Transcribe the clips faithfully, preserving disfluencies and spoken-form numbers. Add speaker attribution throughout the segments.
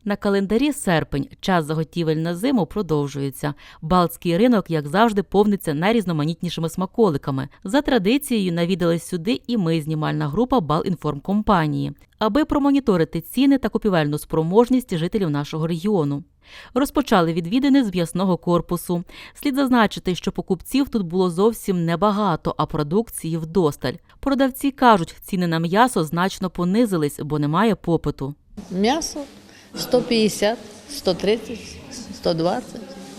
Speaker 1: На календарі серпень, час заготівель на зиму продовжується. Балтський ринок, як завжди, повниться найрізноманітнішими смаколиками. За традицією навідались сюди і ми, знімальна група Балінформкомпанії, аби промоніторити ціни та купівельну спроможність жителів нашого регіону. Розпочали відвідини з м'ясного корпусу. Слід зазначити, що покупців тут було зовсім небагато, а продукції вдосталь. Продавці кажуть, ціни на м'ясо значно понизились, бо немає попиту.
Speaker 2: М'ясо сто п'ятдесят, сто тридцять, сто двадцять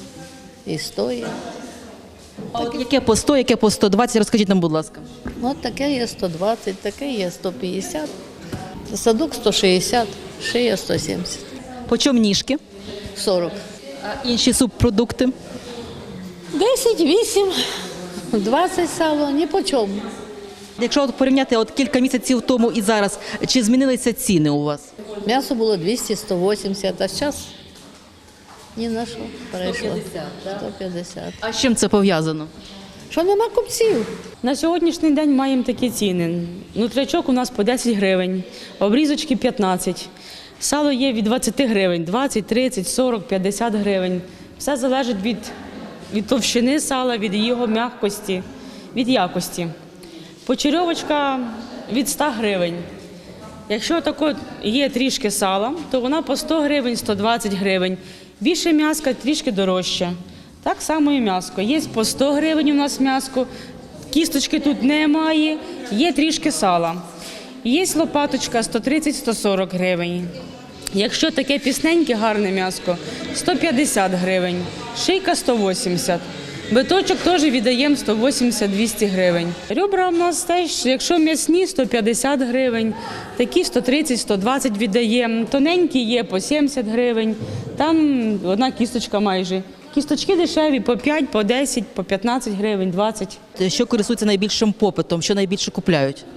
Speaker 2: і сто є.
Speaker 3: А от яке по сто, яке по сто двадцять, розкажіть нам, будь ласка.
Speaker 2: От таке є сто двадцять, таке є сто п'ятдесят, садок сто шістдесят, шия сто сімдесят,
Speaker 3: По чому ніжки?
Speaker 2: сорок.
Speaker 3: А інші субпродукти?
Speaker 2: десять, вісім, двадцять сало, ні по чому.
Speaker 3: Якщо от порівняти от кілька місяців тому і зараз, чи змінилися ціни у вас?
Speaker 2: М'ясо було двісті, сто вісімдесят, а зараз ні на що перейшло. сто п'ятдесят.
Speaker 3: А з чим це пов'язано?
Speaker 2: Що нема купців?
Speaker 4: На сьогоднішній день маємо такі ціни. Нутрячок у нас по десять гривень, обрізочки п'ятнадцять. Сало є від двадцяти гривень, двадцять, тридцять, сорок, п'ятдесят гривень. Все залежить від, від товщини сала, від його м'якості, від якості. Почерьовочка від ста гривень. Якщо тако є трішки сала, то вона по сто гривень, сто двадцять гривень. Більше м'яска трішки дорожче. Так само і м'яско. Є по сто гривень у нас м'яско, кісточки тут немає, є трішки сала. Є лопаточка сто тридцять - сто сорок гривень. Якщо таке пісненьке, гарне м'яско, сто п'ятдесят гривень, шийка сто вісімдесят. Биточок теж віддаємо сто вісімдесят - двісті гривень. Ребра у нас теж, якщо м'ясні, сто п'ятдесят гривень, такі сто тридцять - сто двадцять віддаємо. Тоненькі є по сімдесят гривень, там одна кісточка майже. Кісточки дешеві по п'ять, по десять, по п'ятнадцять гривень, двадцять.
Speaker 3: Що користується найбільшим попитом, що найбільше купляють?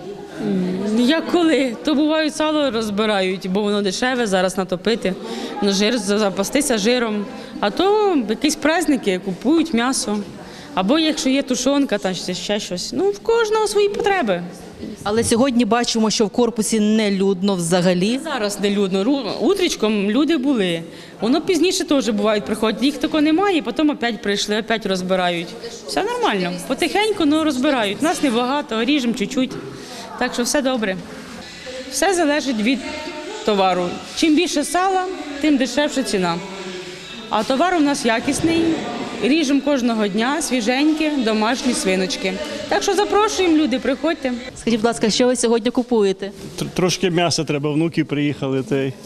Speaker 4: Як коли? То бувають сало розбирають, бо воно дешеве, зараз натопити, на жир, запастися жиром. А то якісь праздники купують м'ясо. Або якщо є тушонка, там ще щось. Ну, в кожного свої потреби.
Speaker 3: Але сьогодні бачимо, що в корпусі не людно взагалі.
Speaker 4: Зараз не людно. Ру- Утрічком люди були. Воно пізніше теж бувають приходять. Їх такого немає, потім опять прийшли, опять розбирають. Все нормально. Потихеньку, ну, розбирають. Нас небагато, ріжемо чуть-чуть. Так що все добре. Все залежить від товару. Чим більше сала, тим дешевша ціна. А товар у нас якісний, ріжемо кожного дня, свіженькі, домашні свиночки. Так що запрошуємо, люди, приходьте.
Speaker 3: Скажіть, будь ласка, що ви сьогодні купуєте?
Speaker 5: Тр- Трошки м'яса треба, внуки приїхали. Та й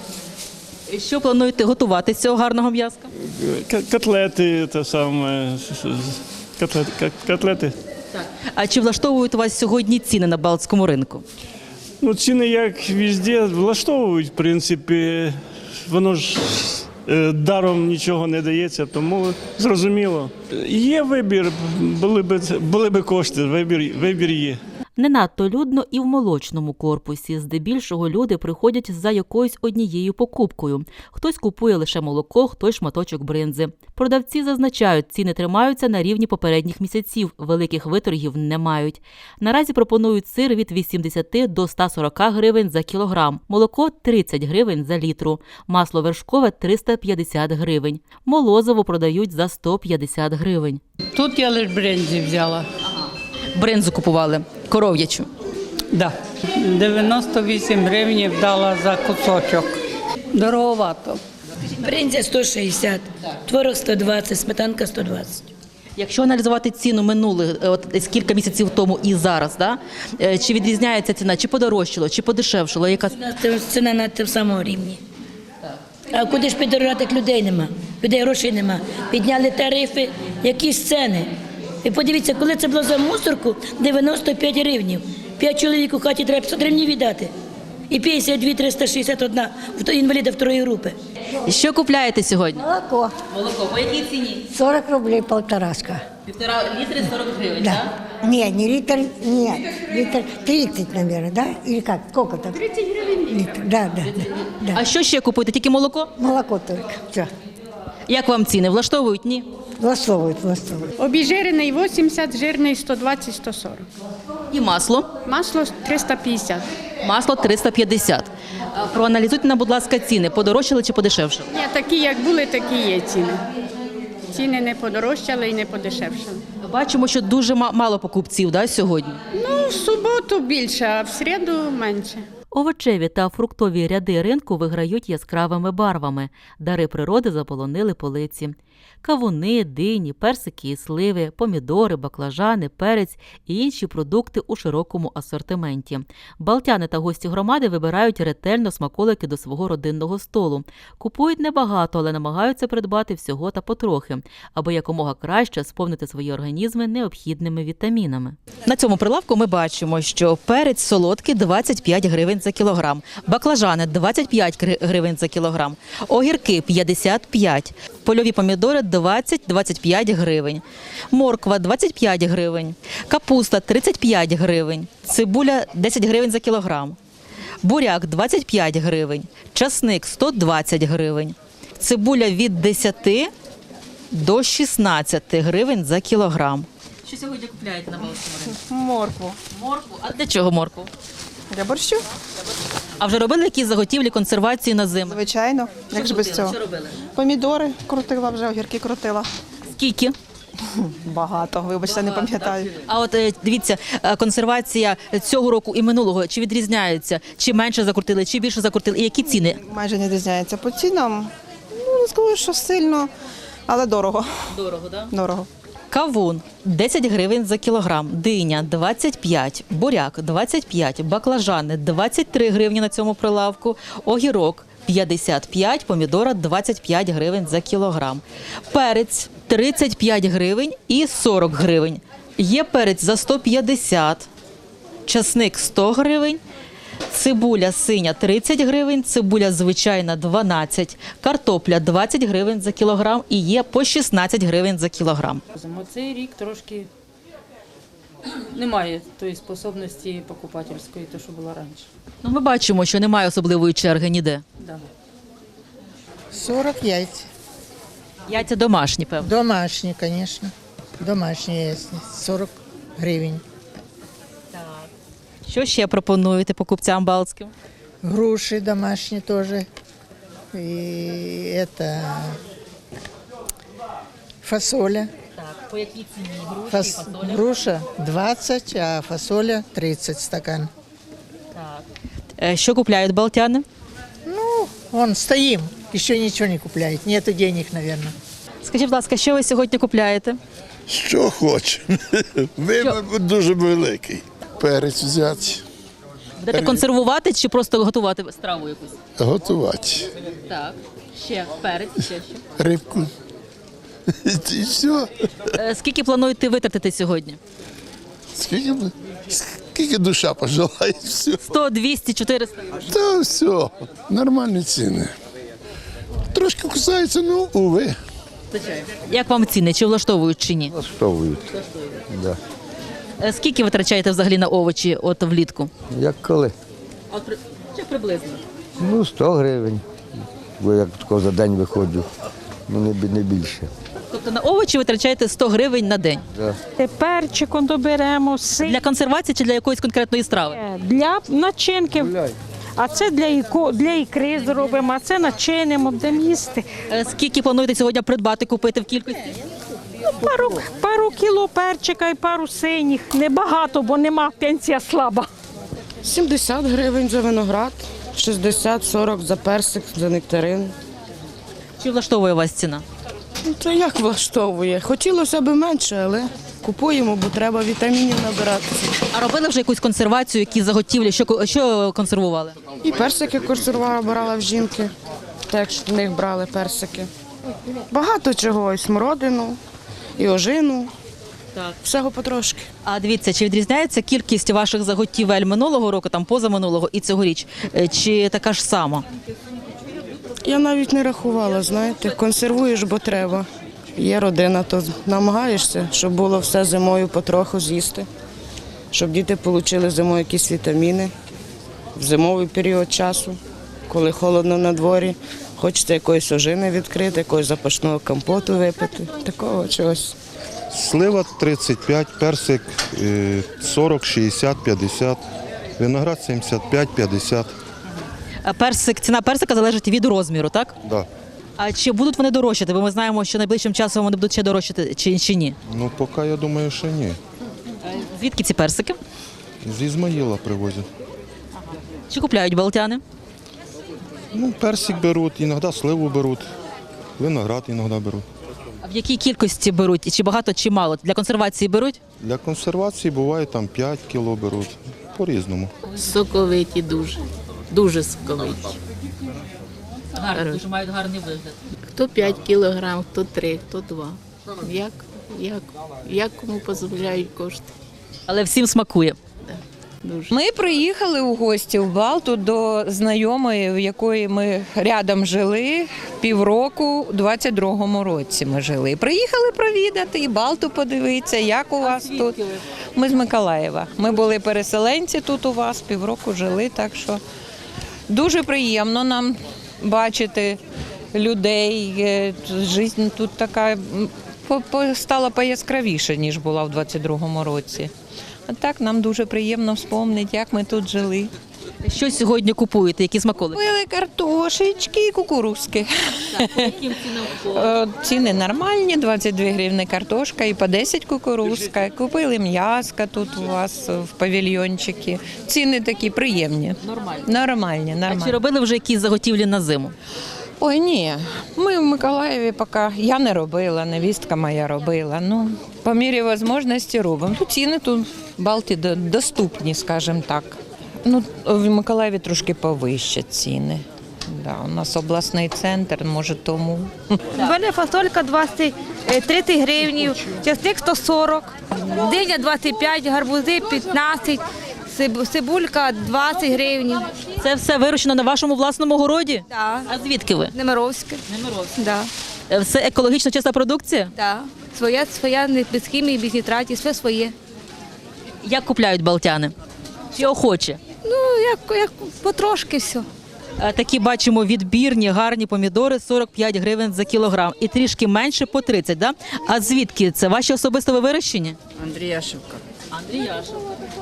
Speaker 3: Що плануєте готувати з цього гарного м'яска?
Speaker 5: к- котлети, те саме, котлет, ка- котлети.
Speaker 3: А чи влаштовують вас сьогодні ціни на Балтському ринку?
Speaker 5: Ну, ціни, як везде, влаштовують, в принципі, воно ж е, даром нічого не дається, тому зрозуміло. Є вибір, були б, були б кошти, вибір, вибір є.
Speaker 1: Не надто людно і в молочному корпусі. Здебільшого люди приходять за якоюсь однією покупкою. Хтось купує лише молоко, хтось шматочок бринзи. Продавці зазначають, ціни тримаються на рівні попередніх місяців, великих виторгів не мають. Наразі пропонують сир від вісімдесяти до ста сорока гривень за кілограм, молоко – тридцять гривень за літру, масло вершкове – триста п'ятдесят гривень, молозиво продають за сто п'ятдесят гривень.
Speaker 6: Тут я лише брензі взяла.
Speaker 3: Бринзу купували, коров'ячу.
Speaker 6: Да. дев'яносто вісім гривень дала за кусочок. Дороговато.
Speaker 7: Бринзя сто шістдесят, творог сто двадцять, сметанка сто двадцять.
Speaker 3: Якщо аналізувати ціну минулих, е, от десь кілька місяців тому і зараз, да? е, чи відрізняється ціна, чи подорожчало, чи подешевшало? Яка...
Speaker 7: Ціна на тим самому рівні. А куди ж підорожати, як людей нема, людей грошей нема. Підняли тарифи, якісь ціни. І подивіться, коли це було за мусорку, дев'яносто п'ять гривнів. П'ять чоловік у хаті треба п'ятсот гривень віддати. І п'ятдесят два триста шістдесят один інваліда второї групи.
Speaker 3: Що купляєте сьогодні?
Speaker 8: Молоко.
Speaker 3: Молоко. По якій ціні?
Speaker 8: сорок рублей полторашка.
Speaker 3: Півтора літри сорок гривень,
Speaker 8: Да. Не, не литр, нет, литр тридцать, наверное, да? Или как? Сколько там? тридцать гривен. Литр, да, да, да, да.
Speaker 3: А що ще купуєте? Тільки молоко?
Speaker 8: Молоко только, все.
Speaker 3: Як вам ціни? Влаштовують? Ні?
Speaker 8: Влаштовують, влаштовують.
Speaker 9: Обезжирений вісімдесят, жирний сто двадцять - сто сорок.
Speaker 3: І масло?
Speaker 9: Масло триста п'ятдесят.
Speaker 3: Масло триста п'ятдесят. А проаналізуйте нам, будь ласка, ціни. Подорожчали чи подешевшили?
Speaker 9: Ні, такі, як були, такі є ціни. Ціни не подорожчали і не подешевшали.
Speaker 3: Бачимо, що дуже ма- мало покупців, да, сьогодні.
Speaker 9: Ну, в суботу більше, а в середу менше.
Speaker 1: Овочеві та фруктові ряди ринку виграють яскравими барвами. Дари природи заполонили полиці. Кавуни, дині, персики і сливи, помідори, баклажани, перець і інші продукти у широкому асортименті. Балтяни та гості громади вибирають ретельно смаколики до свого родинного столу. Купують небагато, але намагаються придбати всього та потрохи, аби якомога краще сповнити свої організми необхідними вітамінами.
Speaker 3: На цьому прилавку ми бачимо, що перець солодкий двадцять п'ять гривень за кілограм, баклажани двадцять п'ять гри- гривень за кілограм, огірки п'ятдесят п'ять, польові помідори двадцять - двадцять п'ять гривень, морква двадцять п'ять гривень, капуста тридцять п'ять гривень, цибуля десять гривень за кілограм, буряк двадцять п'ять гривень, часник сто двадцять гривень, цибуля від десяти до шістнадцяти гривень за кілограм. Що сьогодні купляєте на Балтському ринку?
Speaker 10: Моркву.
Speaker 3: Моркву. А для чого моркву?
Speaker 10: Для борщу?
Speaker 3: А вже робили якісь заготівлі, консервації на зиму?
Speaker 10: Звичайно. Як ж без цього?
Speaker 3: Що робили?
Speaker 10: Помідори крутила вже, огірки крутила.
Speaker 3: Скільки?
Speaker 10: Багато, вибачте, не пам'ятаю.
Speaker 3: А от е, дивіться, е, консервація цього року і минулого, чи відрізняються? Чи менше закрутили, чи більше закрутили? І які ціни?
Speaker 10: Майже не відрізняється по цінам. Ну, не скажу, що сильно, але дорого.
Speaker 3: Дорого, так?
Speaker 10: Дорого.
Speaker 3: Кавун десять гривень за кілограм, диня двадцять п'ять, буряк двадцять п'ять, баклажани двадцять три гривні на цьому прилавку, огірок п'ятдесят п'ять, помідора двадцять п'ять гривень за кілограм. Перець тридцять п'ять гривень і сорок гривень. Є перець за сто п'ятдесят, часник сто гривень, цибуля синя тридцять гривень, цибуля звичайна дванадцять, картопля двадцять гривень за кілограм і є по шістнадцять гривень за кілограм.
Speaker 11: Цей рік трошки немає тої способності покупательської, то що було раніше.
Speaker 3: Ну, ми бачимо, що немає особливої черги ніде.
Speaker 11: Да.
Speaker 8: сорок яиц.
Speaker 3: Яйця домашні, певно.
Speaker 8: Домашние, конечно. Домашние яйца. сорок гривен.
Speaker 3: Що ще пропонуєте покупцям балтським?
Speaker 8: Груши домашние тоже. И это фасоля.
Speaker 3: Так, по якій ціні груші,
Speaker 8: Фас... Груша двадцать, а фасоля тридцать стакан.
Speaker 3: Так. Е, Що купляють балтяни?
Speaker 8: Ну, вон стоим, еще ничего не купляет. Нету денег, наверное.
Speaker 3: Скажіть, будь ласка, що ви сьогодні купляєте?
Speaker 12: Що хоче. Вибір дуже великий. Перець взяти,
Speaker 3: Будете консервувати чи просто готувати страву якусь?
Speaker 12: готувати.
Speaker 3: Так. Ще перець, ще що.
Speaker 12: Рибку. І все.
Speaker 3: Е, Скільки плануєте витратити сьогодні?
Speaker 12: Скільки, б- скільки душа пожелає, все.
Speaker 3: сто, двісті, чотириста?
Speaker 12: Та все. Нормальні ціни. Трошки кусаються, ну, уви.
Speaker 3: Як вам ціни? Чи влаштовують, чи ні?
Speaker 13: Влаштовують. Да.
Speaker 3: Е, Скільки витрачаєте взагалі на овочі от влітку?
Speaker 13: Як коли?
Speaker 3: От при... Чи приблизно?
Speaker 13: Ну, сто гривень. Бо як тако за день виходжу. Ну, не, бі- не більше.
Speaker 3: Тобто на овочі витрачаєте сто гривень на день?
Speaker 13: Да.
Speaker 14: Перчиком доберемо, сир
Speaker 3: Для консервації чи для якоїсь конкретної страви?
Speaker 14: для начинки. А це для, іко, для ікри зробимо, а це начинимо, будемо їсти.
Speaker 3: Е, Скільки плануєте сьогодні придбати, купити в кількості?
Speaker 14: Пару, пару кіло перчика і пару синіх. Небагато, бо нема, пенсія слаба.
Speaker 4: сімдесят гривень за виноград, шістдесят сорок за персик, за нектарин.
Speaker 3: Чи влаштовує вас ціна?
Speaker 4: Ну, це як влаштовує? Хотілося б менше, але купуємо, бо треба вітамінів набиратися.
Speaker 3: А робили вже якусь консервацію, які заготівлі? Що, ко- що консервували?
Speaker 4: І персики консервувала, брала в жінки, так що в них брали персики. Багато чого, і смородину, і ожину,
Speaker 3: Так.
Speaker 4: всього потрошки.
Speaker 3: А дивіться, чи відрізняється кількість ваших заготівель минулого року, там позаминулого і цьогоріч? Е, Чи така ж сама?
Speaker 4: Я навіть не рахувала, знаєте, консервуєш, бо треба. Є родина, то намагаєшся, щоб було все зимою потроху з'їсти, щоб діти отримали зимою якісь вітаміни в зимовий період часу, коли холодно на дворі. Хочеться якоїсь ожини відкрити, якогось запашного компоту випити, такого чогось.
Speaker 15: Слива тридцять п'ять, персик е, сорок, шістдесят, п'ятдесят, виноград сімдесят п'ять, п'ятдесят.
Speaker 3: А персик, ціна персика залежить від розміру, так?
Speaker 15: Да.
Speaker 3: А чи будуть вони дорожчати? Бо ми знаємо, що найближчим часом вони будуть ще дорожчати, чи, чи ні?
Speaker 15: Ну, поки я думаю, що ні.
Speaker 3: Звідки ці персики?
Speaker 15: З Ізмаїла привозять.
Speaker 3: Чи купляють балтяни?
Speaker 15: Ну, персик беруть, іноді сливу беруть, виноград іноді беруть.
Speaker 3: А в якій кількості беруть? І чи багато, чи мало? Для консервації беруть?
Speaker 15: Для консервації буває там п'ять кіло беруть, по-різному.
Speaker 11: Соковиті дуже. Дуже соковиті.
Speaker 1: Гарні, дуже мають гарний вигляд.
Speaker 11: Хто п'ять кілограм, хто три, хто два. Як, як, як кому дозволяють кошти.
Speaker 3: Але всім смакує.
Speaker 11: Дуже.
Speaker 16: Ми приїхали у гості в Балту до знайомої, в якої ми рядом жили півроку, у двадцять другому році ми жили. Приїхали провідати і Балту подивитися, як у вас тут. Ми з Миколаєва. Ми були переселенці тут у вас, півроку жили, так що дуже приємно нам бачити людей. Життя тут така стала пояскравіше, ніж була в двадцять другому році. А так нам дуже приємно вспомнити, як ми тут жили.
Speaker 3: Що сьогодні купуєте? Які смаколики?
Speaker 16: Купили картошечки і кукурузки.
Speaker 1: Так, по яким цінам?
Speaker 16: Ціни нормальні, двадцять дві гривні картошка і по десять кукурузка. Купили м'яска тут у вас в павільйончикі. Ціни такі приємні.
Speaker 1: Нормально.
Speaker 16: Нормальні, нормальні.
Speaker 3: А чи робили вже якісь заготівлі на зиму?
Speaker 16: Ой, ні, ми в Миколаєві поки, я не робила, невістка моя робила. Ну, по мірі можливості робимо. Тут ціни тут в Балті до- доступні, скажімо так. Ну, в Миколаєві трошки повище ціни. Да, у нас обласний центр, може тому.
Speaker 14: У мене фасолька двадцять, тридцять гривень, часник сто сорок, диня двадцять п'ять, гарбузи п'ятнадцять, циб- цибулька двадцять гривень.
Speaker 3: Це все вирощено на вашому власному городі?
Speaker 14: Да.
Speaker 3: А звідки ви?
Speaker 14: Немировське.
Speaker 3: Немировське.
Speaker 14: Да.
Speaker 3: Е, Все екологічно чиста продукція?
Speaker 14: Да. Своя, своя, не- без хімії, без нітратів, все своє.
Speaker 3: Як купляють балтяни? Чи охоче?
Speaker 14: Ну, як, як потрошки все.
Speaker 3: Е, Такі бачимо відбірні, гарні помідори, сорок п'ять гривень за кілограм. І трішки менше по тридцять, да? А звідки це? Ваші особисто вирощені?
Speaker 11: Андріяшевка.
Speaker 3: Андріяшевка.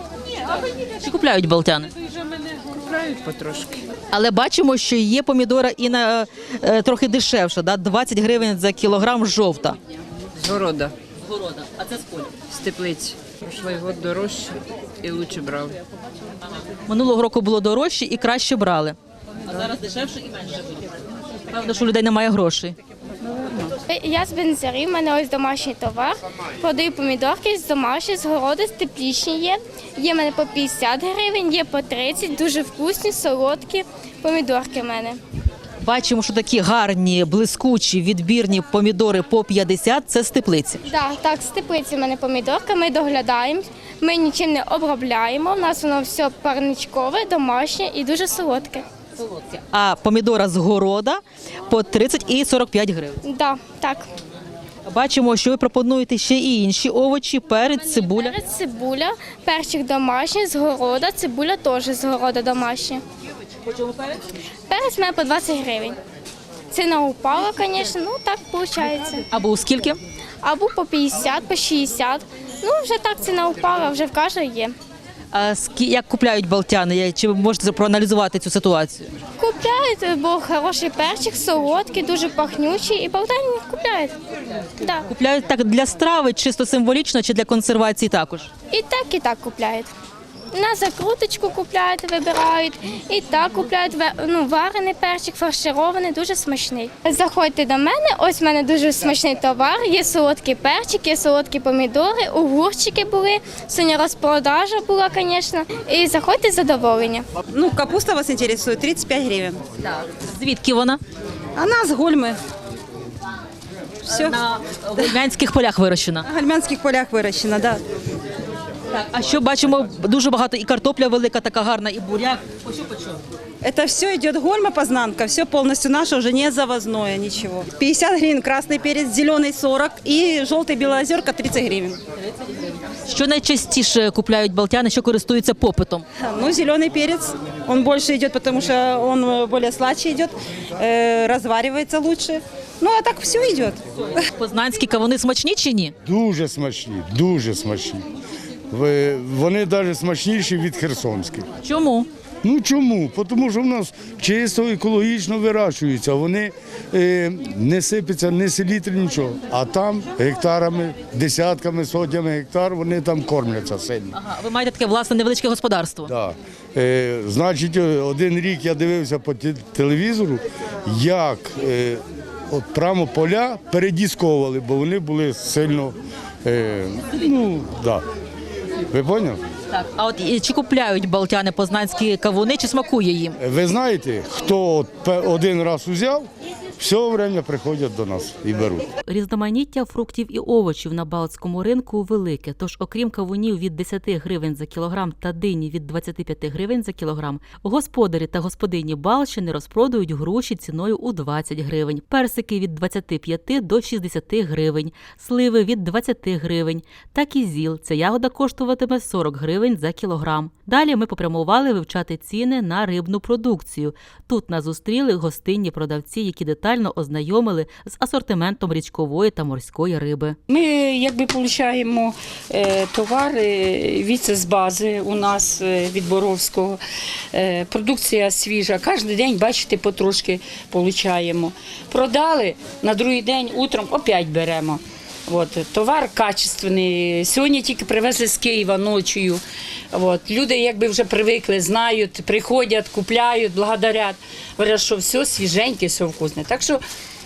Speaker 3: Чи купляють балтяни?
Speaker 11: Купляють потрошки.
Speaker 3: Але бачимо, що є помідора і на е, трохи дешевше, да? двадцять гривень за кілограм жовта.
Speaker 11: З города,
Speaker 3: Города. А це з поля?
Speaker 11: з теплиці. Прошлий год дорожче і краще брали.
Speaker 3: Минулого року було дорожче і краще брали. А зараз дешевше і менше буде. Певно, що у людей немає грошей.
Speaker 17: Я з Бензарі, в мене ось домашній товар. Продаю помідорки з домашні, з городу, з теплічні є. Є в мене по п'ятдесят гривень, є по тридцять, дуже вкусні, солодкі помідорки в мене.
Speaker 3: Бачимо, що такі гарні, блискучі, відбірні помідори по п'ятдесят – це з теплиці.
Speaker 17: Да, так, з теплиці в мене помідорка, ми доглядаємо, ми нічим не обробляємо, у нас воно все парничкове, домашнє і дуже солодке.
Speaker 3: А помідора з города по тридцять і сорок п'ять гривень.
Speaker 17: Да, так.
Speaker 3: Бачимо, що ви пропонуєте ще і інші овочі, перець, цибуля.
Speaker 17: Перець, цибуля, перчик домашній, з города, цибуля теж з города домашня. Перець в мене по двадцять гривень. Ціна упала, звісно, ну так виходить.
Speaker 3: Або у скільки?
Speaker 17: Або по п'ятдесят, по шістдесят. Ну, вже так ціна упала, вже в кожного є.
Speaker 3: А скі- як купляють балтяни? Я- Чи ви можете проаналізувати цю ситуацію?
Speaker 17: Купляють, бо хороший перчик, солодкий, дуже пахнючий, і болтані купляють. Да.
Speaker 3: Купляють так для страви, чисто символічно, чи для консервації також?
Speaker 17: І так, і так купляють. На закруточку купляють, вибирають, і так купляють ве- ну, варений перчик, фарширований, дуже смачний. Заходьте до мене, ось в мене дуже смачний товар, є солодкий перчик, є солодкі помідори, огурчики були, сьогодні розпродажа була, звісно, і заходьте з задоволення.
Speaker 4: Ну, капуста вас інтересує, тридцять п'ять гривень.
Speaker 3: Звідки вона?
Speaker 4: Вона з Гульми. Все.
Speaker 3: На гульмянських полях вирощена.
Speaker 4: На гальмянських полях вирощена, да.
Speaker 3: А що бачимо, дуже багато і картопля велика, така гарна, і буряк. По що, по що?
Speaker 4: Это все идет Гольма, познанка, все полностью наше, уже не завозное ничего. пятьдесят гривен красный перец, зеленый сорок и желтый белоозерка тридцать гривен.
Speaker 3: Що найчастіше купляють балтяни, що користуються попитом?
Speaker 4: Ну, зеленый перец, он больше идет, потому что он более сладче идет, э, разваривается лучше. Ну, а так все идет.
Speaker 3: Познанські кавуни смачні чи ні?
Speaker 12: Дуже смачні, дуже смачні. Ви- Вони навіть смачніші від херсонських.
Speaker 3: Чому?
Speaker 18: Ну чому? Тому що в нас чисто екологічно вирощуються, вони е, не сипляться, не селітри, нічого. А там гектарами, десятками, сотнями гектар вони там кормляться сильно.
Speaker 3: Ага, ви маєте таке власне невеличке господарство?
Speaker 18: Так. Е, значить, один рік я дивився по те- телевізору, як е, от прямо поля передісковували, бо вони були сильно, е, ну, так. Да. Ви поняли?
Speaker 3: Так. А от і чи купляють балтяни познанські кавуни, чи смакує їм?
Speaker 18: Ви знаєте, хто от пе- один раз узяв, все время приходять до нас і беруть.
Speaker 1: Різноманіття фруктів і овочів на балтському ринку велике, тож окрім кавунів від десять гривень за кілограм та дині від двадцять п'ять гривень за кілограм, господарі та господині Балщини розпродають груші ціною у двадцять гривень, персики від двадцять п'ять до шістдесят гривень, сливи від двадцять гривень та кізіл. Ця ягода коштуватиме сорок гривень за кілограм. Далі ми попрямували вивчати ціни на рибну продукцію. Тут нас зустріли гостинні продавці, які детально ознайомили з асортиментом річкової та морської риби.
Speaker 19: Ми якби отримуємо е, товар е, від з бази у нас е, від Боровського. Е, продукція свіжа. Кожен день, бачите, потрошки отримуємо. Продали, на другий день утром опять беремо. От, товар качественний. Сьогодні тільки привезли з Києва ночою. От, люди якби вже привикли, знають, приходять, купляють, благодарять. Говорять, що все свіженьке, все вкусне. Так що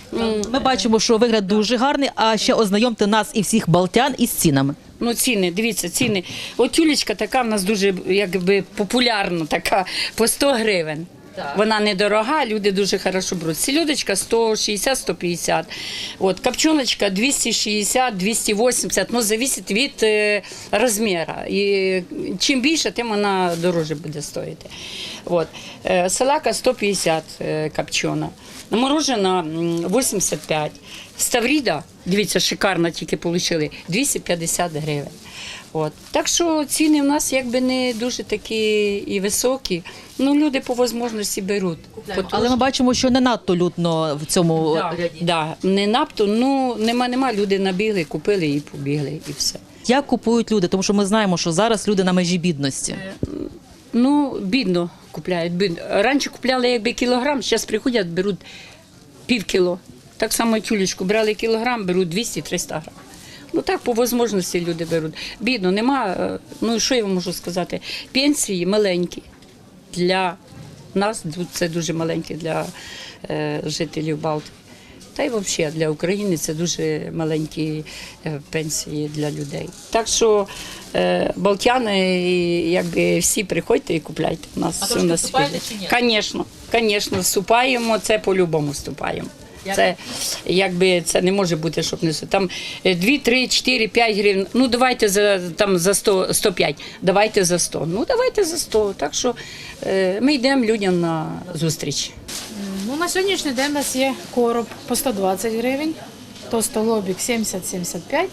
Speaker 3: Ми бачимо, що вигляд дуже гарний, а ще ознайомте нас і всіх балтян із цінами.
Speaker 19: Ну, ціни, дивіться, ціни. От тюлечка така в нас дуже якби популярна, така по сто гривень. Вона недорога, люди дуже хорошо беруть. Селедочка сто шістдесят - сто п'ятдесят. От, копчоночка двісті шістдесят - двісті вісімдесят, ну, залежить від е, розміру. І чим більше, тим вона дорожче буде стоїти. От. Е, салака сто п'ятдесят е, копчена. Морожена м, вісімдесят п'ять. Ставріда, дивіться, шикарно тільки отримали, двісті п'ятдесят гривень. От. Так що ціни в нас якби не дуже такі і високі. Ну, люди по можливості беруть.
Speaker 3: Але ми бачимо, що не надто людно в цьому
Speaker 19: Да,
Speaker 3: ряді.
Speaker 19: да, не надто, ну нема, нема, люди набігли, купили і побігли, і все.
Speaker 3: Як купують люди? Тому що ми знаємо, що зараз люди на межі бідності.
Speaker 19: Ну, бідно купляють. Бідно. Раніше купляли якби кілограм, зараз приходять, беруть пів кіло. Так само тюлечку брали кілограм, беруть двісті - триста грам. Ну так, по можливості люди беруть. Бідно, нема, ну що я вам можу сказати, пенсії маленькі. Для нас це дуже маленькі, для е, жителів Балтії. Та й взагалі для України це дуже маленькі е, пенсії для людей. Так що е, балтяни, якби всі приходьте і купляйте. У нас
Speaker 3: А
Speaker 19: все
Speaker 3: трошки
Speaker 19: на
Speaker 3: вступаєте
Speaker 19: світі.
Speaker 3: чи ні?
Speaker 19: Звісно, звісно, вступаємо, це по-любому вступаємо. Це якби це не може бути, щоб не там дві, три, чотири, п'ять гривень. Ну давайте за там за сто, сто п'ять, давайте за сто. Ну давайте за сто. Так що е, ми йдемо людям на зустріч.
Speaker 20: Ну, на сьогоднішній день у нас є короб по сто двадцять гривень, товстолобік сімдесят - сімдесят п'ять,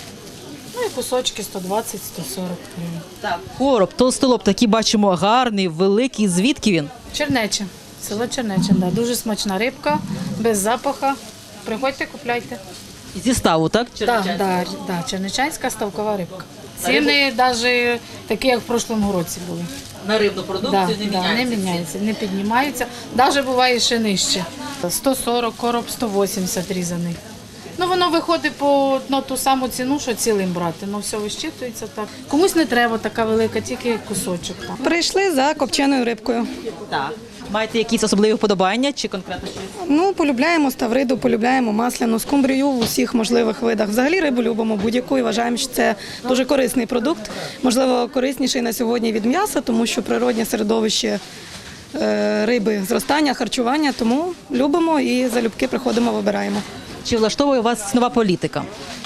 Speaker 20: ну і кусочки сто двадцять - сто сорок гривень.
Speaker 3: Так. Короб, толстолоб, такий бачимо гарний, великий. Звідки він?
Speaker 20: Чернече, село Чернече, да. Дуже смачна рибка, без запаха. Приходьте, купляйте.
Speaker 3: Зі ставу, так?
Speaker 20: Так, да, да, да, чернечанська ставкова рибка. Ціни навіть такі, як в прошлому році були.
Speaker 3: На рибну продукцію
Speaker 20: Да,
Speaker 3: не
Speaker 20: да,
Speaker 3: міняється.
Speaker 20: не міняється, не піднімаються. Навіть буває ще нижче. сто сорок, короб сто вісімдесят різаний. Ну, воно виходить по ну, ту саму ціну, що цілим брати. Ну, все вищитується так. Комусь не треба така велика, тільки кусочок. Там.
Speaker 21: Прийшли за копченою рибкою.
Speaker 3: Так. Маєте якісь особливі вподобання чи конкретно щось?
Speaker 21: Ну, полюбляємо ставриду, полюбляємо масляну, скумбрію в усіх можливих видах. Взагалі рибу любимо будь-яку і вважаємо, що це дуже корисний продукт. Можливо, корисніший на сьогодні від м'яса, тому що природнє середовище е, риби, зростання, харчування. Тому любимо і залюбки приходимо, вибираємо.
Speaker 3: Чи влаштовує вас нова політика?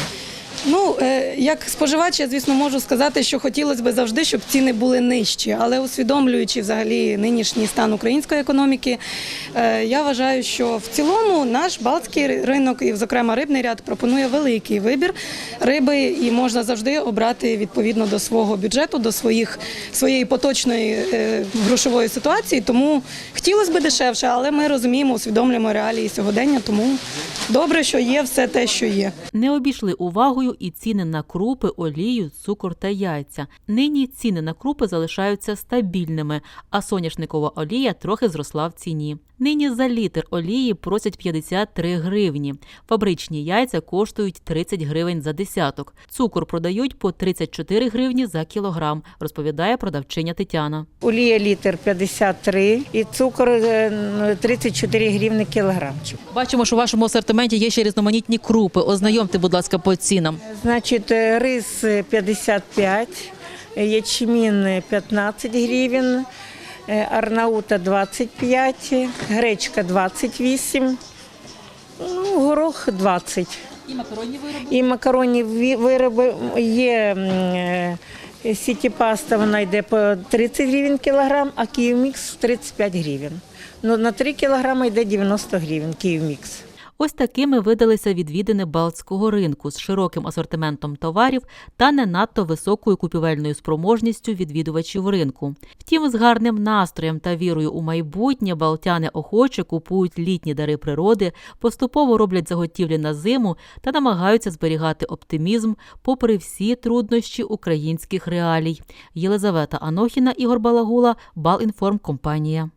Speaker 21: Ну, е, як споживач, я, звісно, можу сказати, що хотілося б завжди, щоб ціни були нижчі. Але усвідомлюючи взагалі нинішній стан української економіки, е, я вважаю, що в цілому наш балтський ринок і, зокрема, рибний ряд пропонує великий вибір риби і можна завжди обрати відповідно до свого бюджету, до своїх, своєї поточної е, грошової ситуації. Тому хотілося б дешевше, але ми розуміємо, усвідомлюємо реалії сьогодення, тому добре, що є все те, що є.
Speaker 1: Не обійшли увагою собою і ціни на крупи, олію, цукор та яйця. Нині ціни на крупи залишаються стабільними, а соняшникова олія трохи зросла в ціні. Нині за літр олії просять п'ятдесят три гривні. Фабричні яйця коштують тридцять гривень за десяток. Цукор продають по тридцять чотири гривні за кілограм, розповідає продавчиня Тетяна.
Speaker 2: Олія літр п'ятдесят три і цукор е, тридцять чотири гривні кілограмчик.
Speaker 3: Бачимо, що у вашому асортименті є ще різноманітні крупи. Ознайомте, будь ласка, по цінам.
Speaker 2: Значить, е, рис п'ятдесят п'ять, ячмін п'ятнадцять гривень, е, арнаута двадцять п'ять, гречка двадцять вісім, ну, горох двадцять.
Speaker 3: І макаронні вироби?
Speaker 2: І макаронні ві- вироби є. е, Сіті-паста, вона йде по тридцять гривень кілограм, а Київмікс тридцять п'ять гривень. Ну, на три кілограми йде дев'яносто гривень Київмікс.
Speaker 1: Ось такими видалися відвідини Балтського ринку з широким асортиментом товарів та не надто високою купівельною спроможністю відвідувачів ринку. Втім, з гарним настроєм та вірою у майбутнє балтяни охоче купують літні дари природи, поступово роблять заготівлі на зиму та намагаються зберігати оптимізм попри всі труднощі українських реалій. Єлизавета Анохіна, Ігор Балагула, Балінформкомпанія.